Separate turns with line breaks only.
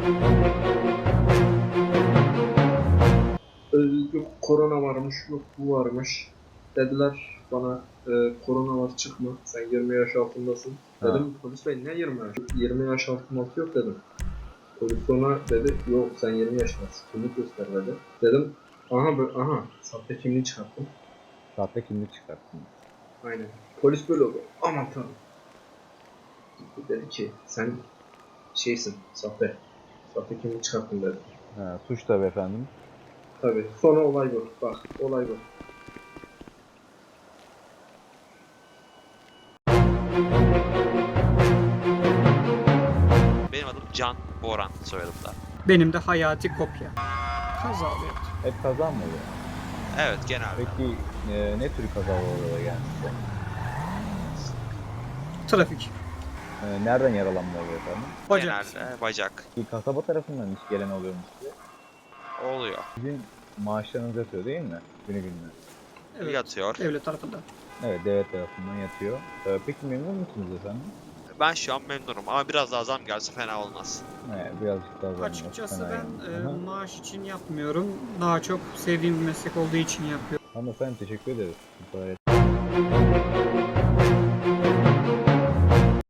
Yok korona varmış, yok bu varmış. Dediler bana korona var çıkma, sen 20 yaş altındasın.
Ha.
Dedim polis bey ne 20 yaş? 20 yaş altı yok dedim. Polis sonra dedi yok sen 20 yaşındasın, kimlik göster dedi. Dedim aha böyle aha sahte kimliği çıkarttım.
Sahte kimlik çıkarttın.
Aynen. Polis böyle oldu. Aman tanrım. Dedi ki sen şeysin sahte. Sahte kimlik çıkarttın dedi.
Ha, suç tabii efendim.
Tabii. Sonra olay bu. Bak olay bu.
Benim adım Can Boran soyadım da.
Benim de Hayati Kopya. Kaza oluyor.
Hep kaza mı oluyor?
Evet genelde.
Peki ne tür kazalar oluyor genelde?
Trafik.
Nereden yaralanmalar oluyor efendim?
Bacak.
Genelde bacak.
Kasaba tarafından hiç gelen oluyor mu size?
Oluyor.
Sizin maaşlarınız yatıyor değil mi? Günü gününe.
Evet.
Yatıyor.
Devlet tarafından.
Evet, devlet tarafından yatıyor. Peki memnun musunuz efendim?
Ben şu an memnunum ama biraz daha zam gelse fena olmaz.
Birazcık daha zam
Açıkçası
fena
ben
yani. Aha.
maaş için yapmıyorum. Daha çok sevdiğim bir meslek olduğu için yapıyorum.
Hanımefendi teşekkür ederiz. Gayet